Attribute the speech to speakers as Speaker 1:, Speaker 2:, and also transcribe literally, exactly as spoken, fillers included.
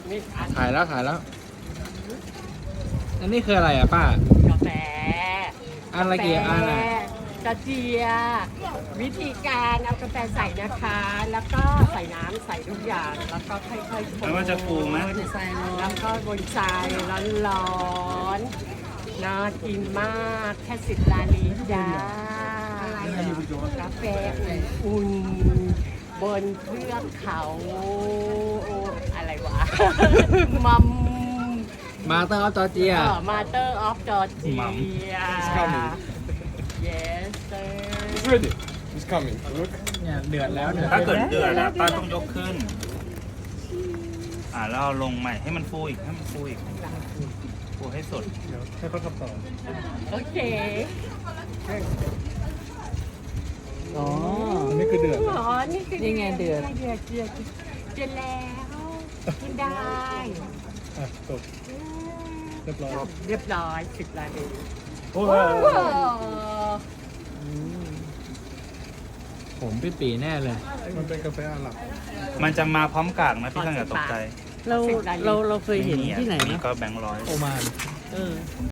Speaker 1: นี่อัน
Speaker 2: ถ่ายแล้วถ่ายแล้ว อันนี้คืออะไรอ่ะป้าก
Speaker 1: าแฟ
Speaker 2: อันละกี่อันอ่ะ
Speaker 1: กระเจียวิธีการเอากาแฟใส่นะคะ แล้วก็ใส่น้ำใส่ทุกอย่าง แล้วก็ค่อยๆคน
Speaker 3: แล้วมันจะฟูไหม
Speaker 1: แล้วก็บนทรายร้อนๆน่ากินมากแค่สิบลาลีจ้ากาแฟอุ่นๆบนเทือกเขาอะไรวะ มัม
Speaker 2: มาเตอร์ออฟจอร์เจีย
Speaker 1: มาเตอร์ออฟจอร์เจีย
Speaker 3: มัม
Speaker 1: yes sir
Speaker 4: It's ready. It's coming. Look.
Speaker 2: เนี่ยเดือดแล้วเดือด
Speaker 3: ถ้าเกิดเดือดแล้วป้าต้องยกขึ้น อ่าแล้วเอาลงใหม่ให้มันฟูอีกให้มันฟูอีกฟูให้สุด
Speaker 4: ให้เขาทำต่อ
Speaker 1: โอเค
Speaker 2: อ๋อ
Speaker 4: อันนี้คือเดือด
Speaker 1: อ๋อนี่คือ
Speaker 2: นี่ไงเดือด
Speaker 1: เดือดเดือดเดือดแล้วกินได้
Speaker 4: อ่ะจบเรียบร้อย
Speaker 1: เรียบร้อยสิบลาลี
Speaker 4: โอ้
Speaker 1: ว้าว
Speaker 2: ผมปีปีแน่เลย
Speaker 4: มันเป็นกาแฟอาหรับ
Speaker 3: มันจะมาพร้อมกากนะพี่ท่านอย่าตกใจ
Speaker 5: เราเราเราเคยเห็นที่ไหน
Speaker 3: มี
Speaker 5: นะ
Speaker 3: ก็แบงค์ร้อย
Speaker 2: โอมาน
Speaker 5: เออ